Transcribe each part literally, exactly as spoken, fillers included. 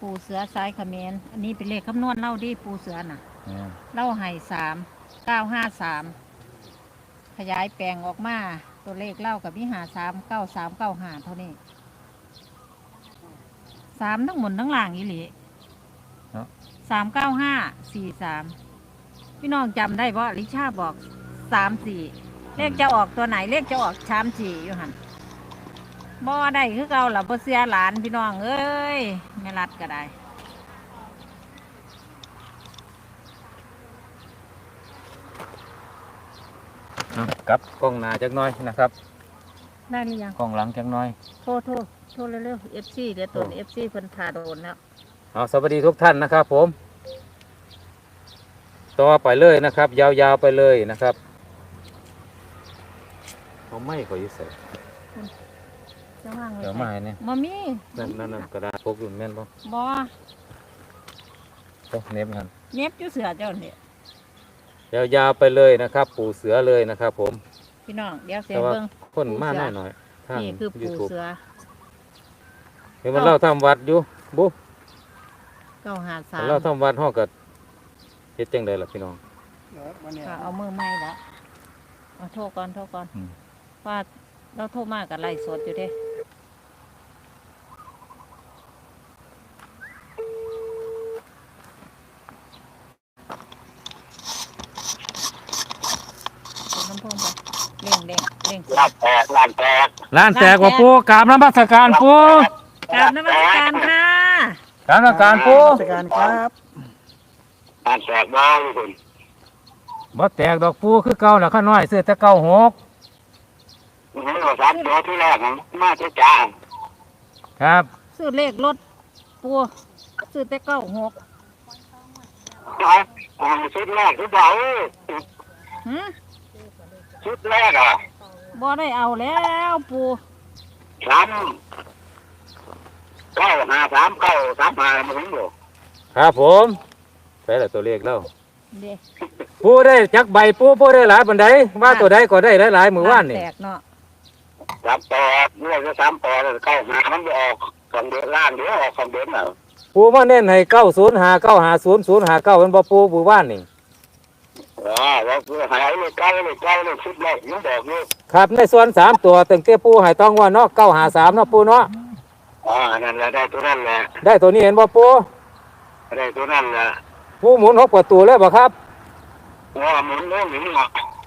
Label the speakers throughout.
Speaker 1: ปูเสือสายเขมรอันนี้เป็นเลขคำนวณเล่าดิปูเสือน่ะเล่าให้สามเก้าห้าสามขยายแปลงออกมาตัวเลขเล่ากับวิหารสามเก้าสามเก้าหาเท่านี้สามทั้งหมดทั้งหลังอีหลีสามเก้าห้าสี่สามพี่น้องจำได้เพราะลิชาบอกสามสี่เลขจะออกตัวไหนเลขจะออกชามสี่อยู่หันบ่ได้คือเก่าหล่ะบ่เสียหลานพี่น้องเอ้ยแม่รัดก็ได้
Speaker 2: กับกล้องหน้าจักหน้อยนะครับ
Speaker 1: ได้หรือยัง
Speaker 2: กล้องหลังจักหน้อย
Speaker 1: โทษโทษโทษเร็วๆ เอฟ ซี เดี๋ยวตัว เอฟ ซี เพิ่นถ่าโดนแล้ว
Speaker 2: เอาสวัสดีทุกท่านนะครับผมต่อไปเลยนะครับยาวๆไปเลยนะครับเขาไม่ขอยึดใส่
Speaker 1: จะว่างไว้
Speaker 2: เดี๋ยวมาให้เนี่ย
Speaker 1: บ่มี
Speaker 2: นั่นนั่นนั่นกระดาษพกอยู่แม่นบ่
Speaker 1: บ่
Speaker 2: ต้องเน็บกัน
Speaker 1: เน็บอยู่เสือเจ้าเนี่ย
Speaker 2: ยาวๆไปเลยนะครับปูเสือเลยนะครับผม
Speaker 1: พี่น้องเดี๋ยวเสียเบิ่ง
Speaker 2: คนมาหน่อยหน่อย
Speaker 1: นี่คือปูเสือ
Speaker 2: เดี๋ยวมันเล่าทำวัดอยู่บุ๊
Speaker 1: เก้าหาสาม
Speaker 2: เล่าทำวัดห้องกับเฮ็ดจังไดล่ะพี่น้อง
Speaker 1: เอามือไม้ละเอาโทษก่อนโทษก่อนว่าเราโทษมากกับไล่สดอยู่เด้น้ำพุ่งไปเล่งเล่งเล่ง
Speaker 3: ล้านแตกล้านแตก
Speaker 2: ล้านแตกว่าปูกราบน้ำมัสการปู
Speaker 1: กราบน้ำมัสการค่ะ
Speaker 2: กราบน้ำการปู
Speaker 3: สการครับล้านแตกบ้างคุณ
Speaker 2: บ่แตกดอกปูคือเก่าแล้วข้าน้อยเสื้อแต่เก่าหก
Speaker 3: นี่ก็สามตัวที่แรกมาเจ้าจ้า
Speaker 2: ครับ
Speaker 1: ซื้อเลขรถปูซื้อแต่เก้าหก
Speaker 3: ชุดแรกชุดเบาชุดแรกอ่ะ
Speaker 1: บ่ได้เอาแล้วปู
Speaker 3: สามเก้าห้าสามเก้าสามห้ามันถึงอยู่
Speaker 2: ครับผมใช่แหละตัวเลขแล้วปูได้จักใบปูปูได้หลายบันไดว่าตัวใดก็ได้หลายๆมือว่านนี่
Speaker 3: สามปอเมื่อจะสามปอแล้วเก้าห้ามันจะออกสองเดือนล้านเดี๋ยวออกสองเดือนแล้ว
Speaker 2: ปูมาเน้นให้เก้าศูนย์หาเก้าหาศูนย์ศูนย์หาเก้าเป็นบ่ปูมือว่านนี่
Speaker 3: อ๋อว่าปูหายเลยเก้าเลยเก้าเลยชุดแรกยังบอกอยู่
Speaker 2: ครับในส่วนสามตัวตึงเตี้ยปูให้ต้องว่าเนาะเก้าหาสามเนาะปูเนาะ
Speaker 3: อ๋อนั่นแหละได้ตัวนั่นแหละ
Speaker 2: ได้ตัวนี้เห็นบ่ปู
Speaker 3: ได้ตัวนั่นแหละ
Speaker 2: ปูหมุนหกประตูเลยบ่ครับ
Speaker 3: อ๋อหมุนเรื่องนี้เหรอ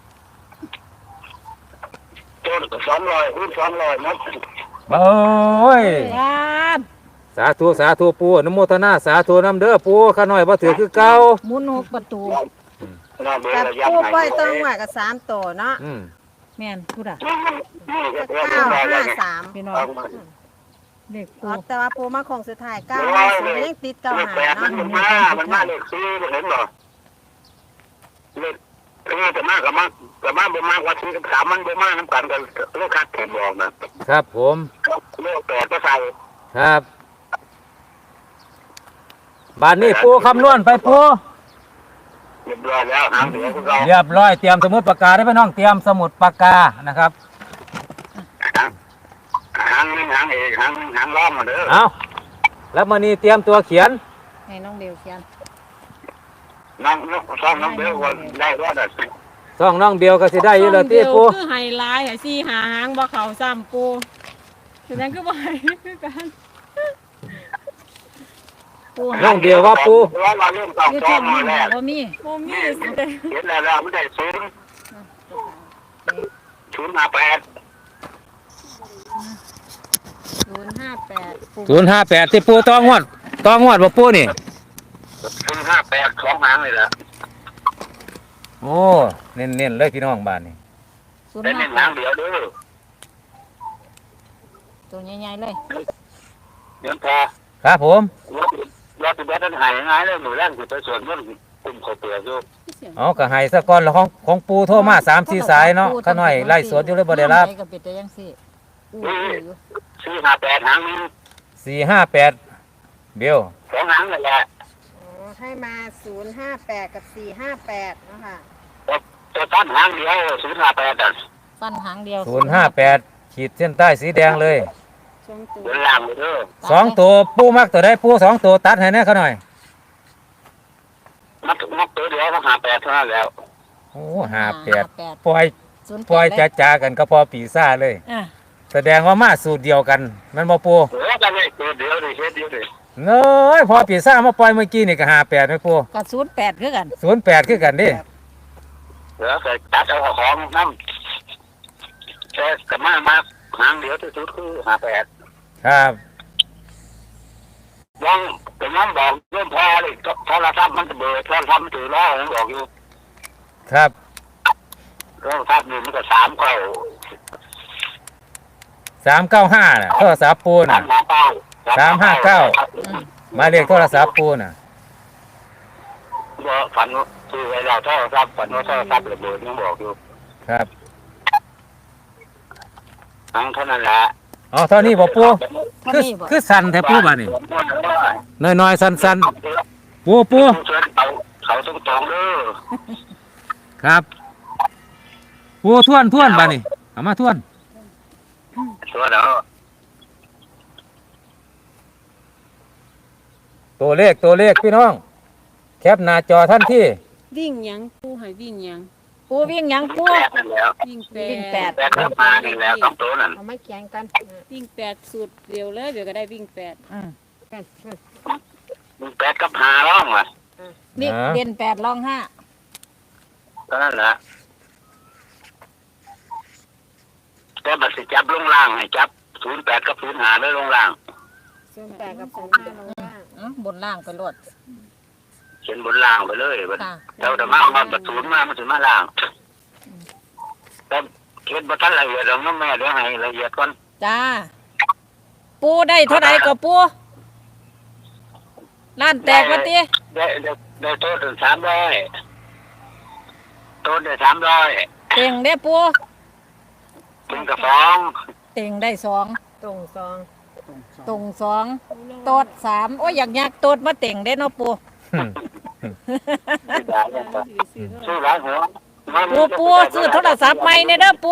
Speaker 3: ตัวสองร้อยคูณสองร้อยนับ
Speaker 2: โอ้ยสาธุสาธุปูอนุโมทนาสาธุน้ำเด้อปูข้าน้อยบ่ถือคือเก่า
Speaker 1: หมุนหกประตู
Speaker 4: แต่ปูไปต้องว่ากับสามตัวเนาะ
Speaker 1: แม่นพูดอ่ะ
Speaker 4: เก้าห้าสาม
Speaker 1: พี่น้องเด็กปู
Speaker 4: แต่ว่าปูมาคงสุดท้ายเก้าห้าศูนย์ยังติดเก้าหาเนาะ
Speaker 3: มันมามันมาเลขสี่เห็นบ่เลขนี่จะมากกับมากกับมากบ่มากกว่าสี่กับสามมันบ่มากน้ำกันกันเลขคัดแถมบอก
Speaker 2: นะครับผม
Speaker 3: เลขแปดก็ใส่
Speaker 2: ครับบ้านนี้ปูคำนวณไปปู
Speaker 3: เรียบร้อยแล้วหางเดียวเรา
Speaker 2: เรียบร้อยเตรียมสมุดปากกาได้ไหมน้องเตรียมสมุดปากกานะครับ
Speaker 3: หางนึงหางเอกหางนึงหางล้อมมาเด้อ
Speaker 2: เอาแล้วมานี่เตรียมตัวเขียน
Speaker 1: ให้น้องเบลเขียน
Speaker 3: น้องน้องซ่องน้องเบลวันได้รอดอ่ะ
Speaker 2: ซ่องน้องเบลก็สิได้อยู่แล้วที่ปู
Speaker 5: คือไฮไลท์ให้สี่หาหางบ่เขาซ้ำปูฉะนั้นก็บ่ให้คือกัน
Speaker 2: น้องเบลว่าปู
Speaker 3: ว่าเราเริ่มต่อจอมาแล้ว
Speaker 1: บ่มี
Speaker 5: บ่มี
Speaker 3: เห็นแล้วมันได้ศูนย์ศูนย์ห้าแปด
Speaker 1: ศูนย์ห้าแปด
Speaker 2: ศูนย์ห้าแปดที่ปูต้องงวดต้องงวดว่าปูนี่
Speaker 3: ศูนย์ห้าแปดสองหางเลยละ
Speaker 2: โอ้เน้นเน้นเลยพี่น้องบ้านนี่
Speaker 3: เน้นหางเดียวด้วย
Speaker 1: ตัวใหญ่ๆเลย
Speaker 3: เดี๋ยวพอ
Speaker 2: ครับผม
Speaker 3: รถติดรถนั้นหายง่ายเลยหนูแรกคือไปส่วนมันกลุ่มเขาเปลือกอยู่
Speaker 2: อ๋อกระหายสะก้อนของของปูโทรมาสามสี่สายเนาะข้าน้อยไล่สวนอยู่เลยบ่ได้รับ
Speaker 3: สี่ห้าแปดหางนึง
Speaker 2: สี่ห้าแปดเบล
Speaker 3: สองหางเลยแหละ
Speaker 4: ให้มาศูนย์ห้าแปดกับสี่ห้าแปดนะคะ
Speaker 3: ตัวตั้นหางเดียวศูนย์ห้าแปดอ่ะ
Speaker 1: ตั้นหางเดียว
Speaker 2: ศูนย์ห้าแปดขีดเส้นใต้สีแดงเลย
Speaker 4: ศู
Speaker 5: สองตัว
Speaker 3: บนล่างเลยเด้อ
Speaker 2: สองตัวปูมักตัวใดปูสองตัวตัดให้แน่เขาหน่อย
Speaker 3: มัดมัดตัวเดียวก็หาแปดเท่านั้นแล้ว
Speaker 2: โอ้หาแปด
Speaker 1: แปด
Speaker 2: ปล่อย
Speaker 1: ศูนย์แปด
Speaker 2: ปล่อย
Speaker 1: เล
Speaker 2: จ้าจ้ากันก็พอปีซ่าเลย
Speaker 1: อ่ะ
Speaker 2: แสดงว่ามาสูตรเดียวกันแมันบ่ปู
Speaker 3: โอ้ยจะได้ตัวเดียวดิเฮ็ดเดียวดิ
Speaker 2: เน้ยพอปีซ่ามาปล่อยเมื่อกี้นี่ก็หาแปดไหมปู
Speaker 1: กับศูนย์แปดคือกัน
Speaker 2: ศูนย์แปดคือกันดิ
Speaker 3: เดี๋ยวเคยตัดเอาของน้ำแต่กระมามาหางเดียวที่สุดคือหาแปด
Speaker 2: ครับ
Speaker 3: ยังเป็นน้ำบอกเริ่มพอเลยโทรศัพท์มันจะเบิดโทรศัพท์มันถือล้อผมบอกอยู่
Speaker 2: ครับ
Speaker 3: โทรศัพท์นี่มันก็สามเก้า
Speaker 2: สามเก้าห้าน่ะโทรศัพท์ปู
Speaker 3: สา
Speaker 2: น่ะ
Speaker 3: มห้าเก้า
Speaker 2: สามห้าเก้า หมายเลขโทรศัพท์ปูน่ะ
Speaker 3: ก็ฝันคือเวลาโทรศัพท์ฝันว่าโทรศัพท์ระเบิดยังบอกอยู่
Speaker 2: ครับ
Speaker 3: ทั้งเท่านั้นแหละ
Speaker 2: อ๋อเท่านี้บ่ปู
Speaker 1: เท่า
Speaker 2: คือ
Speaker 1: นี้บ่
Speaker 2: คือสั่นแท้ปูบ่านี่น้อยๆสั่นๆปูปู
Speaker 3: เขาเขาต้องตรงเด้อ
Speaker 2: ครับปูท่วนท่วนบ่านี่เอามาท่วน
Speaker 3: ตัวเด้อ
Speaker 2: ตัวเลขตัวเลขพี่น้อง แคปหน้าจอท่านที่
Speaker 5: วิ่งหยังปูให้วิ่งหยัง
Speaker 1: ปูวิ่งหยังปู
Speaker 3: แปดนั่นแล้ว
Speaker 5: วิ่งแป
Speaker 1: วิ่งแปด
Speaker 5: ด
Speaker 3: แปดก็มานี่แล้วต้องตัวนั่น
Speaker 4: เอามาแข่งกัน
Speaker 5: วิ่งแปดสุดเดียวเลยเดี๋ยวก็ได้วิ่งแปด
Speaker 1: อืม
Speaker 3: มึงแปดกับหาร้องว่ะ
Speaker 1: นี่เด่นแปดรองห้า
Speaker 3: ก็นั่นแหละแต่บัตรสิจับลงล่างให้จับศูนย์แปดกับศูนย์หาเลยลงล่าง
Speaker 4: ศูนย์แปดกับศูนย์ห้าลงล่าง
Speaker 1: อืมบนล่างไปรวด
Speaker 3: เขียนบนล่างไปเลยบัด
Speaker 1: ค่ะ
Speaker 3: เราแต่มามันบัตรศูนย์มามันถึงมาล่างแต่เขียนบัตรละเอียดเราน้องแม่เดี๋ยวให้ละเอียดก่อน
Speaker 1: จ้า ปูได้เท่าไหร่ก็ปูล้านแตกวะตี
Speaker 3: ได้ได้ได้โต๊ะถึงสามร้อยโต๊ะได้สามร้อย
Speaker 1: เต็งได้ปู
Speaker 3: ถึงกับสอง
Speaker 1: เต็งได้สอง
Speaker 4: ตรงซอง
Speaker 1: ตรงสองโตดสามโอ้ยอยากยากโตดมาเต็งได้เนาะปู
Speaker 3: ซื้อหลายหัว
Speaker 1: ปูปูซื้อโทรศัพท์ใหม่เนี่ยเด้อปู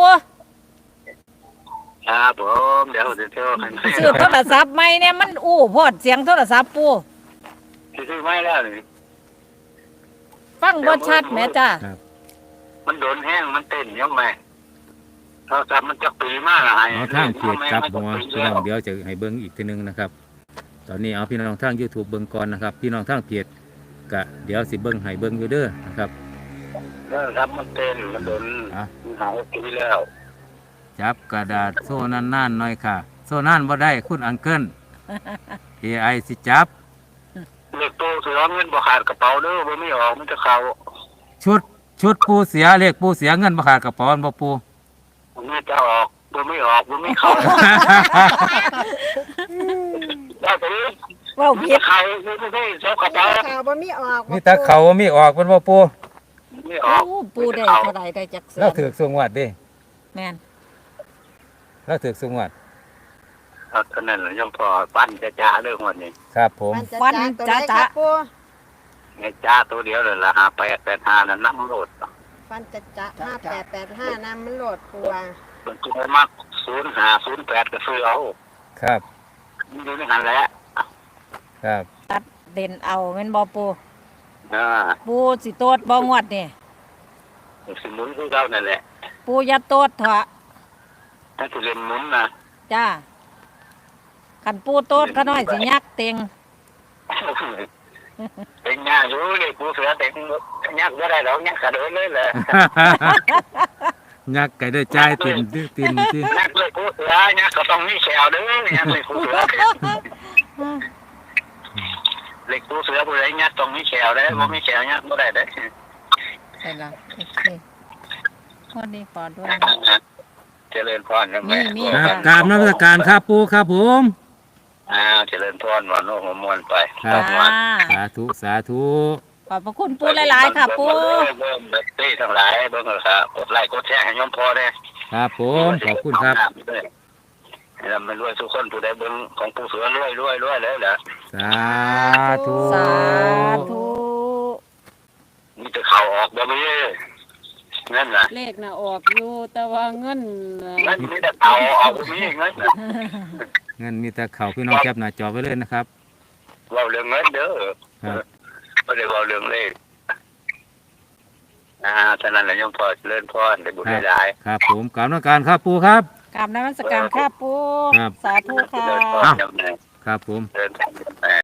Speaker 3: ครับผมเดี๋ยวเดี๋ยวเที่ยวให้
Speaker 1: ซื้อโทรศัพท์ใหม่เนี่ยมันอู้พอดเสียงโทรศัพท์ปู
Speaker 3: ซื้อไม่แล้วนี่
Speaker 1: ฟังบ่ชัดแหม่จ้า
Speaker 3: มันโดนแห้งมันเต้นยังไงโทรศัพท์มันจะปีมากอะไร
Speaker 2: เอาทางเพจครับผมว่าพี่น้องเดี๋ยวจะให้เบิ้งอีกทีหนึงนะครับ ตอนนี้เอาพี่น้องทาง YouTube เบิ้งก่อนนะครับ พี่น้องทางเพจก็เดี๋ยวสิเบิ้งให้เบิ้งอยู่เด้อนะครับ
Speaker 3: โทรศัพท์มันเต้นมันโดน
Speaker 2: อ่ะ
Speaker 3: มันหายปีแล้ว
Speaker 2: จับกระดาษโซ่นั่นนั่นๆหน่อยค่ะ โซ่นั่นบ่ได้คุณอังเกิล เอ ไอ สิจับ
Speaker 3: เล็กโตเสือเงินบ่ขาดกระเป๋าเด้อบ่ไม่ออกมันจะเข้า
Speaker 2: ชุดชุดปูเสียเลขปูเสียเงินบ่ขาดกระเป๋าอันบ่ปู
Speaker 3: มันจะออกบ่ไม่ออกบ่ไม่เข้าได้ไปเลย
Speaker 1: เว้า
Speaker 3: มัน
Speaker 1: ผิ
Speaker 3: จะ
Speaker 1: ด
Speaker 3: เข้าไม่ได้เจ้ากระเป๋า
Speaker 4: ข่าวบ่มีออก
Speaker 2: นี่ตาเขามีออกมันบ่ปู
Speaker 3: ไม่ออก
Speaker 1: โอ้ปูได้เท่าไหร่ได้จักเสื
Speaker 2: เราถือสูงวัดดิ
Speaker 1: แม่น
Speaker 2: เราถือสูงวัด
Speaker 3: เอาเท่านั้นแหละยังพอปั้นจะจ้าเรื่องวันนี้
Speaker 2: ครับผม
Speaker 4: ฟันจะจ้าตัวไหนครับปู
Speaker 3: ไงจ้าตัวเดียวเลยละหาแปดแปดห้านั่นน้ำโหลด
Speaker 4: ฟันจะจ้าห้าแปดแปดห้าน้ำมันโหลดปูว่า
Speaker 3: มันจะมากศูนย์หาศูนย์แปดก็ซื้อเอา
Speaker 2: ครับ
Speaker 3: มันอยู่ในหันแหละ
Speaker 2: ครับ
Speaker 1: ตัดเด่นเอาแม่นบ่ปู
Speaker 3: อ่า
Speaker 1: ปูสิโตดบ่งวดนี่
Speaker 3: สิหมุนคือเก่านั่นแหละ
Speaker 1: ปูอย่าโตดเถอะ
Speaker 3: ถ้าสิเล่นหมุนนะ
Speaker 1: จ้าคันปูโตดก็น้อยสิยักเต็ง
Speaker 3: เป็นงานอยู่เลยกูเสือเต็งยักษ์ก็ได้หรอกยักษ์กระโดดเลยแหละ
Speaker 2: ยักษ์ไก่ได้ใจายตินติตินติ
Speaker 3: ยักษ์เลยกูเสือยักษ์ก็ต้องมีแฉวเด้อยักษ์เลยกูเสือเล็กกูเสือผู้ใดยักษ์ต้องมีแฉวเด้อบ่มีแฉวยักษ์บ่ได้เด้อ
Speaker 1: ใช่ละโอเคคนนี้ปอดด้วย
Speaker 3: เจริญพรนะแม่
Speaker 1: มี
Speaker 2: ครับกราบนมัสการครับปูครับผม
Speaker 3: อ้าวเจริญพรวันโน้มมวลไป
Speaker 2: ครับ
Speaker 1: จ้า
Speaker 2: สาธุสาธุ
Speaker 1: ขอบพระคุณปูหลายๆค่ะปู
Speaker 3: เบิ่งเบิ่งเต้ทั้งหลายเบิ่งเลยครับกดไลค์กดแชร์ให้ยมพอเด้อ
Speaker 2: ครับผมขอบคุณครับ
Speaker 3: ให้เราไม่รวยทุกคนผู้ใดเบิ่งของผู้เสือรวยรวยรวยเลยแหละ
Speaker 2: สาธุ
Speaker 1: สาธุ
Speaker 3: มีแต่เข่าออกบ่มีนั่นน่ะ
Speaker 5: เลขน่ะออกอยู่แต่ว่าเงินน่ะ
Speaker 3: เงินมีแต่เข่าออกบ่มีเงินน่ะ
Speaker 2: งั้นมีแต่เข่าพี่น้องแคปหน้าจอไว้เลยนะครับ
Speaker 3: เว้าเรื่องเงินเด้อ
Speaker 2: ครับ
Speaker 3: บ่ได้เว้าเรื่องเลขอ่าฉะนั้นแหละโยมพ่อเจริญพรได้บุญได้หลาย
Speaker 2: ครับผมกราบนมักการครับปูครับ
Speaker 1: กราบนมัสการค่ะปู
Speaker 2: ครับ
Speaker 1: สาธุ
Speaker 3: เจ
Speaker 1: ค่ะ
Speaker 3: ริญพร
Speaker 2: อ้าว
Speaker 3: โยมแม่
Speaker 2: ครับผม
Speaker 3: เจริญพรโยมแม่